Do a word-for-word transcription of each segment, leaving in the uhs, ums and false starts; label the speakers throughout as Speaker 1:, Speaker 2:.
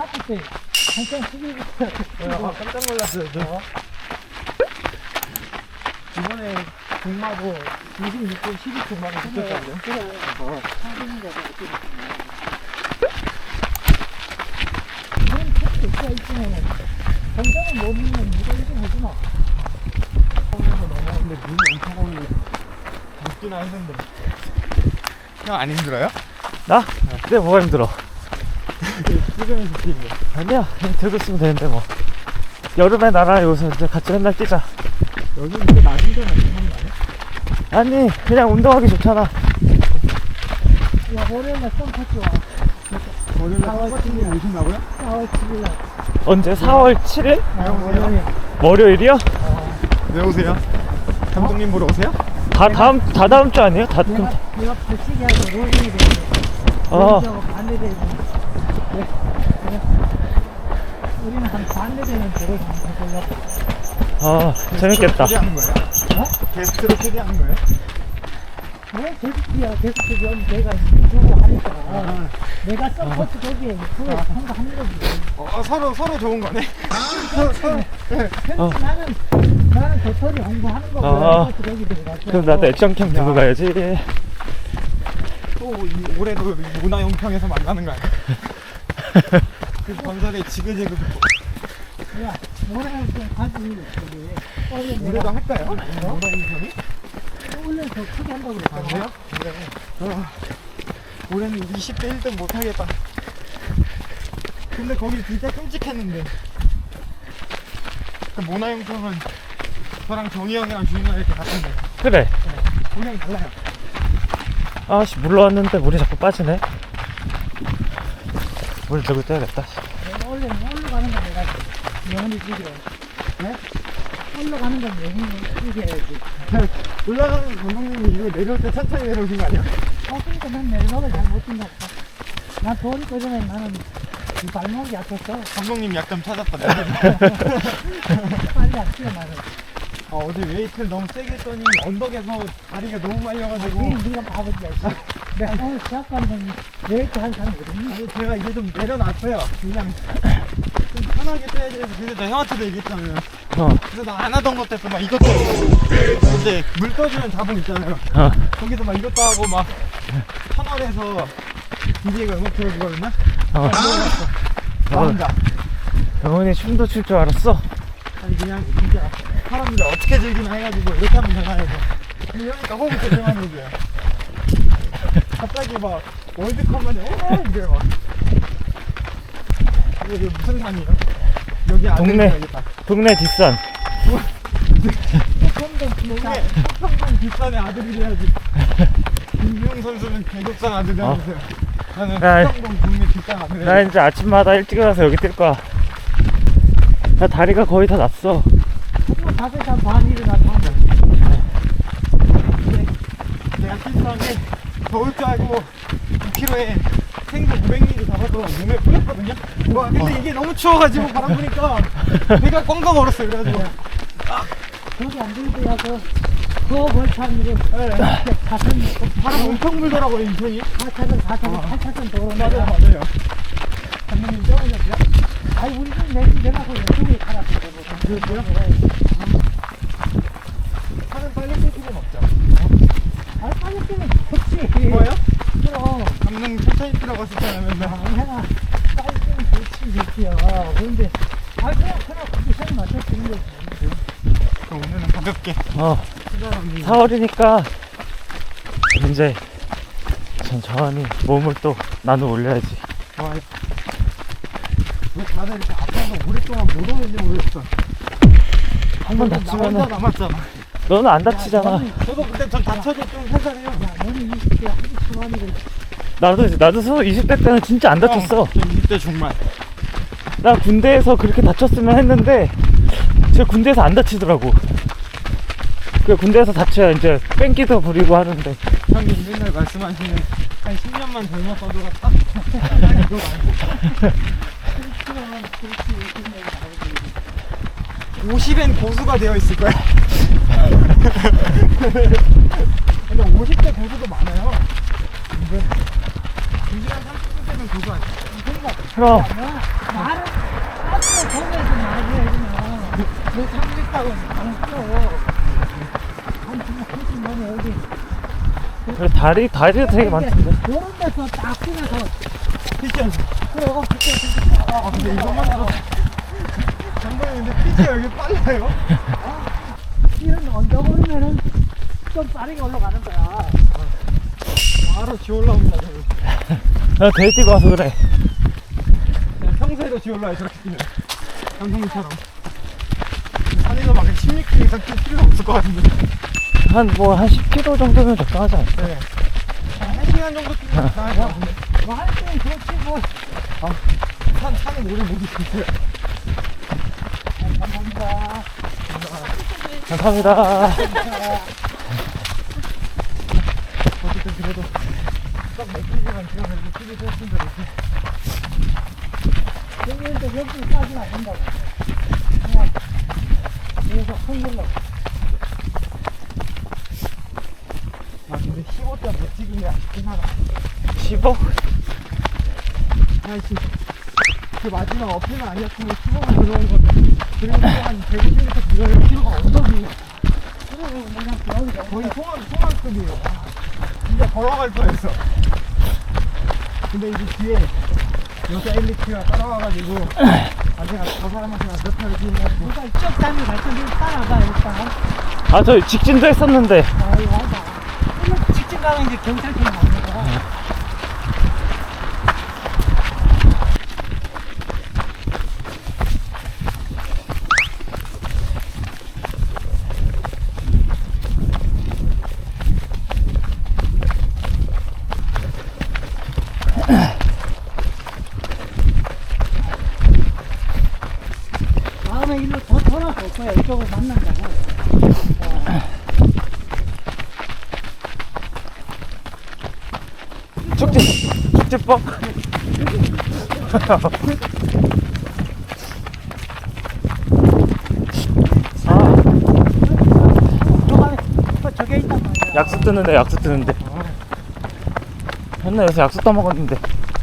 Speaker 1: 앞에 때 한참 숙이고
Speaker 2: 아, 깜짝 놀랐어요. 저. 이번에 동마고 이십육 분 십이 초 만에 붙였다고요?
Speaker 1: 그래.
Speaker 2: 어.
Speaker 1: 사진인 거다. 그런 책도 있어 있으면은 혼자는 못 믿는 누가 이좀 해주나?
Speaker 2: 서울에서 넘어오는데 눈이 엄청 오는데 늦기나 했는데. 형 안 힘들어요?
Speaker 3: 나? 네, 뭐가 힘들어?
Speaker 2: 찍으면서 뛰는 거.
Speaker 3: 아니야, 그냥 들고 있으면 되는데 뭐. 여름에 나랑 여기서 이제 같이 맨날 뛰자.
Speaker 2: 여기 이렇게 낮은 데는 하는 거 아니야?
Speaker 3: 아니, 그냥 운동하기 좋잖아.
Speaker 1: 야, 월요일날 썸파티 와.
Speaker 2: 월요일에 썸파티님 오신다고요?
Speaker 1: 사월 칠일날.
Speaker 3: 언제? 사월 칠일?
Speaker 2: 월요일.
Speaker 3: 월요일이요?
Speaker 2: 왜 오세요? 감독님 보러 오세요?
Speaker 3: 다 다음, 다 다음 주 아니에요? 다, 그럼,
Speaker 1: 내가, 내가 벌칙이하고 로딩이 되는데.
Speaker 3: 어.
Speaker 1: 반대되는. 네. 우리는 한 반대되는 대로 해보려고.
Speaker 3: 어, 재밌겠다.
Speaker 2: 초대하는 거예요?
Speaker 1: 어?
Speaker 2: 게스트로 초대하는 거예요?
Speaker 1: 왜 게스트야? 게스트 좀 내가 주고 하니까.
Speaker 2: 아.
Speaker 1: 내가 썸파티 거기에 그거 참가하는 거지.
Speaker 2: 어, 서로 서로 좋은 거네. 서로 서로. 네.
Speaker 3: 어.
Speaker 1: 나는 나는 도토리 홍보하는 거고
Speaker 3: 어.
Speaker 1: 썸파티 거기 들어갔어.
Speaker 3: 그럼 나도 액션캠 들고 가야지.
Speaker 2: 또 이, 올해도 문화용평에서 만나는 거 아니야? 그 건설에 지그재그
Speaker 1: 야, 노래는 좀 가지. 저기. 원래
Speaker 2: 올해도
Speaker 1: 내가
Speaker 2: 할까요? 문화용평이?
Speaker 1: 원래 더 크게 한다고
Speaker 2: 아,
Speaker 1: 그랬잖아.
Speaker 2: 그래요? 어, 올해는 이십 대 일 등 못하겠다. 근데 거기 진짜 끔찍했는데. 그 문화용평은 저랑 정희 형이랑 주인이랑 이렇게 갔는데
Speaker 3: 그래.
Speaker 2: 그냥 달라요.
Speaker 3: 아씨, 물러왔는데 물이 자꾸 빠지네. 물 들고 떼야겠다.
Speaker 1: 내가 원래 올라가는 건 내가 영원히 죽여. 네? 올라가는 건 영원히 죽여야지.
Speaker 2: 올라가는 감독님이 이거 내려올 때 천천히 내려오신 거 아니야?
Speaker 1: 어, 그러니까 난 내리막을 잘 못 뛴다. 난 돌이 꺼지면 나는 이 발목이 약해서
Speaker 2: 감독님 약점 찾았거든.
Speaker 1: 빨리 안 뛰어 나는.
Speaker 2: 아, 어제 웨이트를 너무 세게 했더니 언덕에서 다리가 너무 말려가지고.
Speaker 1: 니 네가 바보지야. 씨. 내가 오늘 시합 가는 건 웨이트 한 사람이거든.
Speaker 2: 아니, 제가 이제 좀 내려놨어요. 그냥 좀 편하게 뛰어야 돼서. 그래서 나 형한테도 얘기했잖아요.
Speaker 3: 어,
Speaker 2: 그래서 나 안 하던 것도 했어. 막 이것도 하고. 이제 물 떠주는 자본 있잖아요.
Speaker 3: 어.
Speaker 2: 거기서 막 이것도 하고 막 터널에서 디제이가 음악 틀어주거든요.
Speaker 3: 어.
Speaker 2: 나 혼자.
Speaker 3: 영훈이 춤도 출 줄 알았어?
Speaker 2: 아니 그냥 진짜 사람들 어떻게 즐기나 해가지고 이렇게 하면 되나 해서. 근데 이러니까 호흡이 되게 많이 해줘요. 갑자기 막 월드컵만 해. 어 이래 막. 이게 이게 무슨 산이에요? 여기 아들
Speaker 3: 동네.
Speaker 2: 가야겠다.
Speaker 3: 동네 뒷산.
Speaker 2: 동네 평평 뒷산의 아들이래야지. 김주영 선수는 계급산 아들이라면서요. 나는
Speaker 3: 야,
Speaker 2: 평동 동네 뒷산 아들이야.
Speaker 3: 나 이제 아침마다 일찍 일어나서 여기 뛸 거야. 나 다리가 거의 다 났어.
Speaker 1: 정말 다섯 시간 반 일어나서
Speaker 2: 내가 실수하게 더울 줄 알고 이 킬로에 생수 오백 밀리리터 잡아서 몸에 뿌렸거든요. 와 근데 이게 너무 추워가지고 바람 부니까 배가 꽝꽝 얼었어요. 그래가지고
Speaker 1: 거기 안 들고 야서 그거 벌참 이거
Speaker 2: 네.
Speaker 1: 사천
Speaker 2: 바람 엄청 불더라고요 인천이.
Speaker 1: 사차선 사차선
Speaker 2: 어.
Speaker 1: 팔차선 도로
Speaker 2: 맞아요
Speaker 1: 내가
Speaker 2: 맞아요. 감독님 쪄보셨어요?
Speaker 1: 아니 우리 집 내, 내가고 왼쪽에 살았어.
Speaker 2: 그랬어요? 차는 빨리 끌 필요는 없죠.
Speaker 1: 아 빨리 뛰면 좋지.
Speaker 2: 뭐예요?
Speaker 1: 그럼
Speaker 2: 감독님 천천히 뛰라고 했었잖아요 맨날.
Speaker 1: 내가 빨리 뛰면 좋지 좋지요. 그런데 아 그냥 그냥 컨디션 맞춰 뛰는 거지.
Speaker 2: 그럼 오늘은 가볍게
Speaker 3: 어,
Speaker 2: 시작합니다.
Speaker 3: 사월이니까 이제 천천히 몸을 또 나눠 올려야지.
Speaker 2: 좋아요. 왜 다들 이렇게 아파서 오랫동안 못 오는지 모르겠어.
Speaker 3: 한 번
Speaker 2: 나
Speaker 3: 다치면은
Speaker 2: 혼자 남았잖아.
Speaker 3: 너는 안 다치잖아.
Speaker 2: 저도 근데 전 다쳐도 좀 살살해요.
Speaker 1: 야 너는 이십 대 한두 초반이고
Speaker 3: 나도 나도 서 이십 대 때는 진짜 안 다쳤어.
Speaker 2: 어, 전 이십 대 중반.
Speaker 3: 나 군대에서 그렇게 다쳤으면 했는데 저 군대에서 안 다치더라고. 그 군대에서 다쳐야 이제 뺑기도 부리고 하는데.
Speaker 2: 형님 맨날 말씀하시는 한 십 년만 젊었어도 딱 이거 말고 오십엔 고수가 되어 있을 거야. 근데 오십 대 고수도 많아요. 근데 두 시간 삼십 분 되면 고수 아니야?
Speaker 3: 그럼
Speaker 1: 말을 앞으로 거기에서 말을 해주면 뭐 참겠다고 안 풀어. 한 정말 훨씬 너무 여기
Speaker 3: 그래, 다리 다리도 되게 많던데.
Speaker 1: 요런 데서 딱 뛰면서
Speaker 2: 피치
Speaker 1: 그래 그때
Speaker 2: 아 근데 이것만 알아 장관님 근데 피치가 여기 빨라요?
Speaker 1: 이런 언덕 오르면은 좀 빠르게 올라가는 거야.
Speaker 2: 바로 지 올라옵니다 저는.
Speaker 3: 나 대회 뛰고 와서 그래.
Speaker 2: 그냥 평소에도 지 올라와요 저렇게 뛰면 감독님처럼 산에서 막 십육 킬로미터 이상 뛸 필요가 없을 것 같은데
Speaker 3: 한 뭐 한 십 킬로미터 정도면 적당하지 않을까?
Speaker 2: 네. 한 시간 정도 뛰면 나을 것 같은데
Speaker 1: 뭐할 때는 그렇지 뭐.
Speaker 2: 산, 산에 오래 못 있어요
Speaker 1: 감사합니다.
Speaker 3: 감사합니다.
Speaker 2: 어쨌든 그래도 딱 몇 킬로만 뛰어서 이렇게 뛰기 했습니다 이렇게
Speaker 1: 여기에서 여기까지는 안 된다고. 그냥 계속 흥글러.
Speaker 2: 아 근데 십오 점 몇 찍으면 아쉽긴 하다
Speaker 3: 십오?
Speaker 2: 아이씨 그 마지막 어필만 아니었으면 십오만 들어온 건데 그리고 또 한 백오십 미터 들어갈 필요가 언덕이
Speaker 1: 그래 그냥 여기서
Speaker 2: 거의 송암, 송암급이에요 진짜 걸어갈 뻔했어 근데 이제 뒤에 여자 엘리트가 따라와가지고 아 제가 저 사람한테 몇 타를 뛰어가지고
Speaker 1: 누가 이쪽 다니 갈 텐데 따라가 일단.
Speaker 3: 아, 저 직진도 했었는데.
Speaker 1: 아이 맞아. 오늘 직진 가면 이제 경찰청이 나오는 거야. 다음에 일로 더 돌아서 올 거야. 이쪽으로 만난다고.
Speaker 3: 축제, 축제법? 아,
Speaker 1: 저기 저게 있단 말이야.
Speaker 3: 약수 뜨는데, 약수 뜨는데. 맨날 요새 약수 떠먹었는데.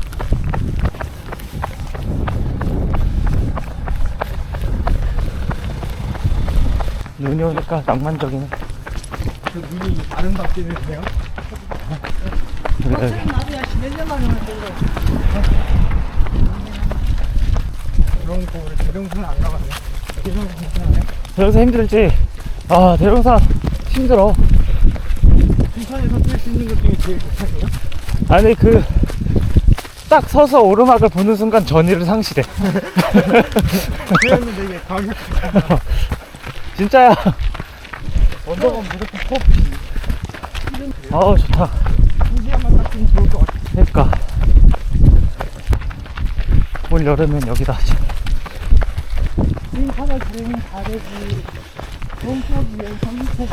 Speaker 3: 눈이 오니까 낭만적이네.
Speaker 2: 그 눈이 아름답게는데요
Speaker 3: 그래.
Speaker 1: 어차피 나도 야 몇 년만 오면 되고.
Speaker 2: 그러니까 우리 대령수는 안 가봤네 대령수 괜찮아요?
Speaker 3: 대형사 힘들지? 아, 대형사 힘들어.
Speaker 2: 춘천에서 뛸 수 있는 것 중에 제일 좋다고요?
Speaker 3: 아니, 그, 딱 서서 오르막을 보는 순간 전의를 상실해.
Speaker 2: 그랬는데 이게 가격이
Speaker 3: 진짜야.
Speaker 2: 언덕은 무조건 커피
Speaker 3: 아우, 좋다.
Speaker 2: 두 시간만 딱 뛰면 좋을 것 같아
Speaker 3: 그러니까. 올 여름엔 여기다.
Speaker 1: 이 바닥 들으면 다 되지. 동쪽이에 성미터지.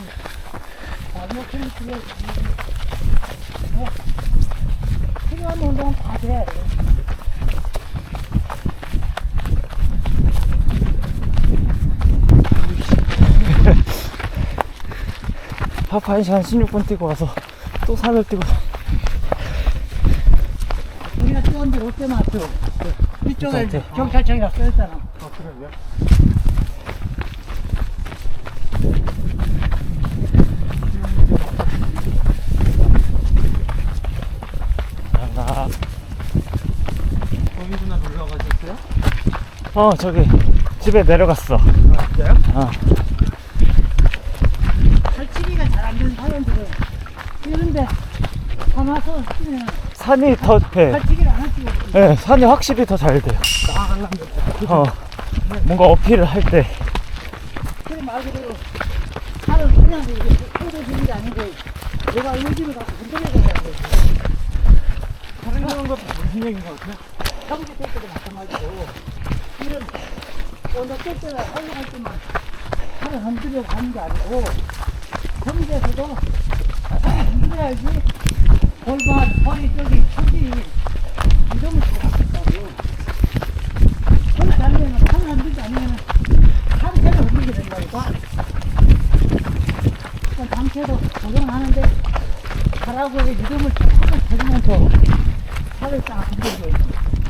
Speaker 1: 나무캔 들어지. 뭐 필요한 운동은 다 돼.
Speaker 3: 하프 한 시간 십육 분 뛰고 와서 또 산을 뛰고.
Speaker 1: 우리가 뛰었는데 롯데마트. 이쪽에
Speaker 3: 롯데마트.
Speaker 1: 경찰청이라 써있잖아.
Speaker 2: 아 그래요?
Speaker 3: 나,
Speaker 2: 거기 누나 놀러 가셨어요?
Speaker 3: 어, 저기, 집에 내려갔어.
Speaker 2: 아 진짜요?
Speaker 3: 어.
Speaker 1: 설치기가 잘 안 되는 사람들은 이런데 가마서 뛰면
Speaker 3: 산이 더, 예,
Speaker 1: 설치기를 안 하시고
Speaker 3: 예, 산이 확실히 더 잘 돼요.
Speaker 2: 나가려면
Speaker 3: 어, 뭔가 어필을 할 때.
Speaker 1: 그래 말 그대로 살을 그냥 이렇게 꽂아주는 게 아니고 내가 의지를 갖고 흔들어야 되는 거지.
Speaker 2: 다른 그런 것도 무슨 얘기인 것 같아요?
Speaker 1: 경기 될 때도 마찬가지고 이런 오늘 뗄 때나 올라갈 때만 살을 흔들려고 하는 게 아니고 경기에서도 살을 흔들어야지 골반, 허리 쪽이 척이 이동을 잘 하겠다고. 그렇지 않으면 살을 흔들지 않으면 상체를 흔들게 된다니까. 그러니까 상체도 적용하는데 하라고 리듬을 조금만 해주면서 살을 딱 흔들고 있어.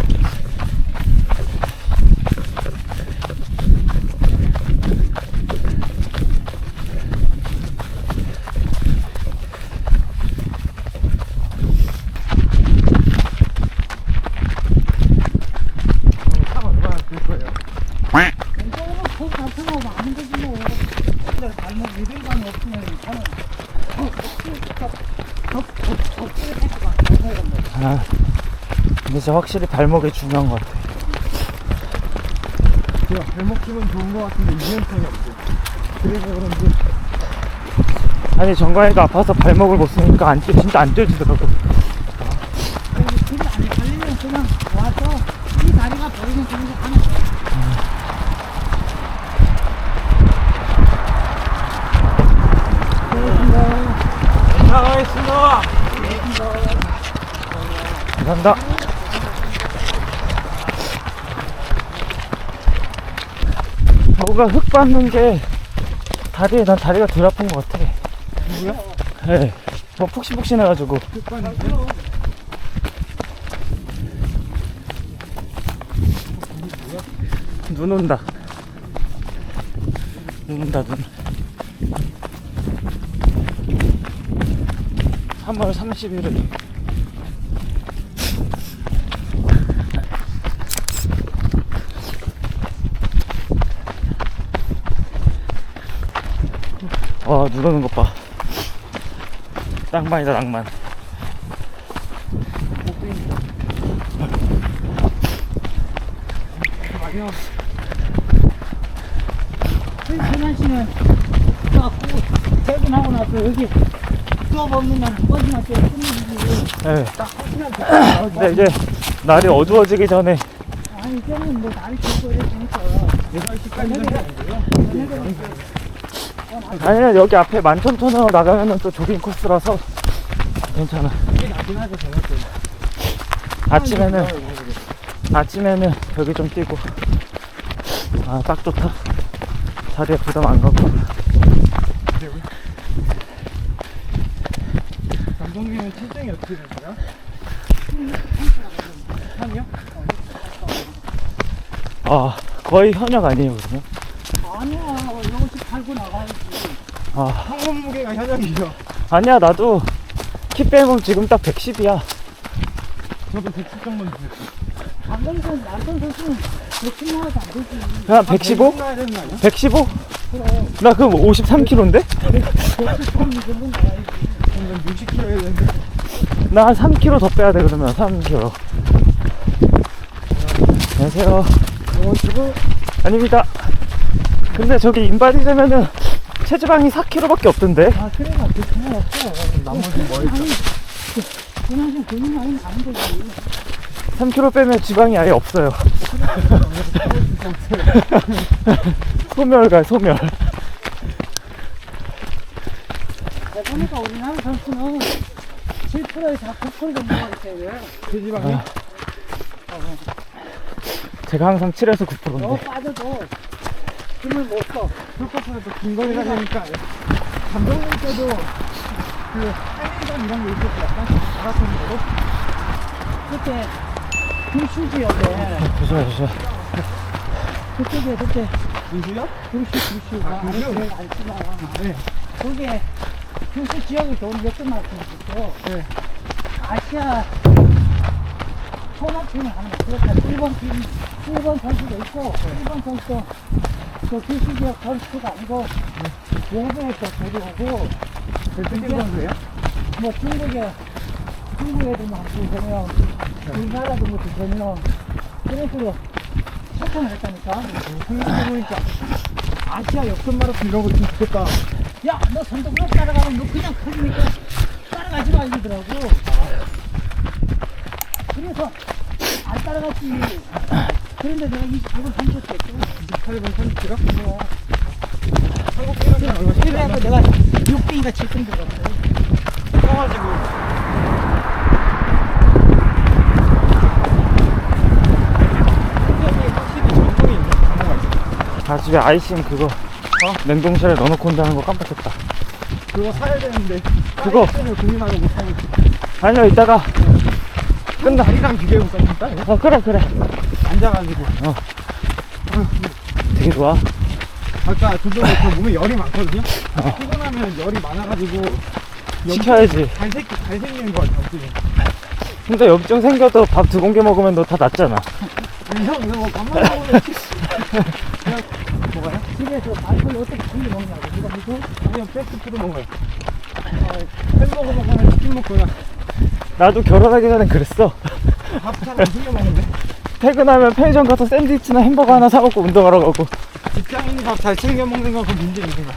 Speaker 3: 진짜 확실히 발목이 중요한 것 같아.
Speaker 2: 제가 발목 힘은 좋은 것 같은데 유연성이 없어요. 그래서 그런지
Speaker 3: 아니 정관이가 아파서 발목을 못 쓰니까 안 뛰, 진짜 안 뛰어지더라고.
Speaker 1: 아니, 길이 안 걸리면 그냥 와서 이 다리가 보이는 정도 가는 거야.
Speaker 2: 나가겠습니다.
Speaker 3: 감사합니다. 뭔가 흙 밟는 게 다리에, 난 다리가 덜 아픈 것 같아.
Speaker 2: 누구야?
Speaker 3: 네. 뭐 푹신푹신해가지고. 눈 온다. 눈 온다, 눈. 삼월 삼십일일. 와, 눈 오는 것 봐. 낭만이다, 낭만.
Speaker 1: 지난 씨는 딱 퇴근하고 나서 여기 수업 없는 날 한 번씩만 때 끝내주지.
Speaker 3: 네.
Speaker 1: 딱 끝날 때.
Speaker 3: 근데 이제 날이 어두워지기 전에
Speaker 1: 아니, 이제는 뭐 날이 춥고 이랬으니까.
Speaker 2: 여덟 시까지 되는
Speaker 3: 아니면 여기 앞에 만천천으로 나가면은 또 조깅 코스라서 괜찮아.
Speaker 2: 이게 나긴 하죠, 제가 또.
Speaker 3: 아침에는 아침에는 여기 좀 뛰고. 아, 딱 좋다. 자리에 부담 안 가고.
Speaker 2: 감독님은 체중이 어떻게 되세요? 한이요?
Speaker 3: 아, 거의 현역 아니에요, 그러면?
Speaker 1: 아니야, 이것이 팔고 나가야지.
Speaker 3: 아,
Speaker 2: 평균 무게가 현역이죠.
Speaker 3: 아니야, 나도 키 빼면 지금 딱 백십이야.
Speaker 2: 저도 백십 정도 돼요.
Speaker 1: 방금전 남편 선수는 백십 나와도 안 되지.
Speaker 3: 그냥 백십오?
Speaker 2: 나야 되는 거 아니야?
Speaker 3: 백십오?
Speaker 1: 그래,
Speaker 3: 나 그럼 오십삼 킬로인데?
Speaker 1: 백십 점 정도 나와야지.
Speaker 2: 저는 육십 킬로에 되는데.
Speaker 3: 나 한 삼 킬로 더 빼야 돼, 그러면. 삼 킬로. 안녕하세요.
Speaker 2: 어, 저거
Speaker 3: 아닙니다. 근데 저기 인바디 되면은 체지방이 사 킬로그램밖에 없던데?
Speaker 1: 아, 그래가 그렇구나 없어.
Speaker 2: 나머지 뭐 있어?
Speaker 1: 그냥 좀 근육 많이 안 되지.
Speaker 3: 삼 킬로그램 빼면 지방이 아예 없어요. 소멸가, 소멸.
Speaker 1: 보니까 우리나라 선수는 칠 퍼센트에서 구 퍼센트 정도가 있어요.
Speaker 2: 돼지방이?
Speaker 3: 아. 제가 항상 칠에서 구
Speaker 1: 너
Speaker 3: 퍼센트인데.
Speaker 1: 빠져도 힘을 못 써.
Speaker 2: 풀코스는 또 근거리 가니까 감독님께도 그 한일전 이런 게 있었어요. 약간 마라톤으로.
Speaker 1: 그때 금슈지 옆에
Speaker 3: 조심해, 조심해.
Speaker 1: 그쪽에 그때
Speaker 2: 인수요?
Speaker 1: 금슈 금슈가
Speaker 2: 아, 금슈?
Speaker 1: 아래 안 쓰나.
Speaker 2: 네.
Speaker 1: 거기에 금슈 지역에 돈 몇개 만큼 있어.
Speaker 2: 네.
Speaker 1: 아시아 혼합팀을 하는 거. 그렇다. 일본 팀, 일본 선수도 있고, 일본 선수도 그 금슈 지역 선수가 아니고 외부에서 데려오고
Speaker 2: 대표팀 선수예요?
Speaker 1: 뭐 중국에 중국에도 막 두세 명, 우리나라도 뭐 두세 명 그런 식으로 소통을 했다니까.
Speaker 2: 생각해보니까 아시아 역전 마라톤 이런 거 좀 좋겠다.
Speaker 1: 야, 너 선동으로 따라가면 너 그냥 커지니까 따라가지 마 이러더라고. 그래서 안 따라갔지. 그런데 내가 이십팔 분 삼쳤겠죠.
Speaker 2: 이십팔 분 삼십 킬로?
Speaker 1: 뭐.
Speaker 2: 한국 기록이 얼마
Speaker 1: 그래갖고 내가 육 등인가 칠 등 들었어.
Speaker 2: 떠가지고 확실히 전통이 있는 단어가 있어.
Speaker 3: 아, 집에 아이싱 그거, 어? 냉동실에 넣어놓고 온다는 거 깜빡했다.
Speaker 2: 그거 사야 되는데
Speaker 3: 그거.
Speaker 2: 때문에 고민하고 못 사고 있어.
Speaker 3: 아니요, 이따가 끝나.
Speaker 2: 다리랑 비교해볼까 진짜?
Speaker 3: 어, 그래, 그래.
Speaker 2: 앉아가지고
Speaker 3: 되게 좋아.
Speaker 2: 아까 저번에 저 몸에 열이 많거든요? 피곤하면 열이 많아가지고
Speaker 3: 시켜야지.
Speaker 2: 잘생, 잘생기는 거 같아 어떻게.
Speaker 3: 근데 염증 생겨도 밥 두 공기 먹으면 너 다 낫잖아.
Speaker 2: 아니 형 이거 뭐 밥만 먹으면 그냥 먹어요?
Speaker 1: 집에서 밥을 어떻게 챙겨 먹냐고. 누가 믿고?
Speaker 2: 그냥 패스트푸드 먹어요. 햄버거 먹거나 치킨 먹거나.
Speaker 3: 나도 결혼하기 전엔 그랬어.
Speaker 2: 밥 잘 안 챙겨 먹는데.
Speaker 3: 퇴근하면 편의점 가서 샌드위치나 햄버거 하나 사먹고 운동하러 가고.
Speaker 2: 직장인이 밥 잘 챙겨 먹는 건 그 문제인 생각.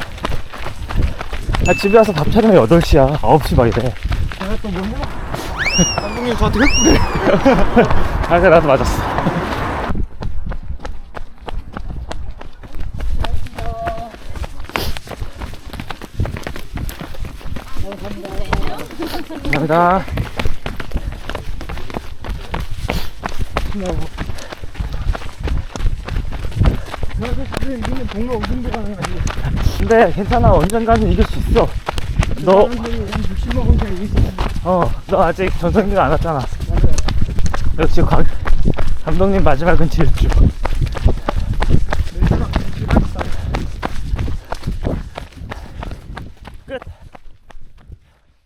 Speaker 3: 아, 집에 와서 밥 차리면 여덟 시야. 아홉 시 막 이래.
Speaker 2: 제가 또 뭘 해먹 감독님 저한테 흑불이에요.
Speaker 3: 아, 그래, 나도 맞았어. 감사합니다.
Speaker 2: 그래서 지금 이기는 동네 우승도 가능하지.
Speaker 3: 근데 괜찮아. 언젠가는 이길 수 있어. 너,
Speaker 2: 사람들이 한 육십 먹은 게 이길 수 있어.
Speaker 3: 어, 너 아직 전성기가 안 왔잖아.
Speaker 2: 맞아요.
Speaker 3: 역시 감, 감독님 마지막은 질주.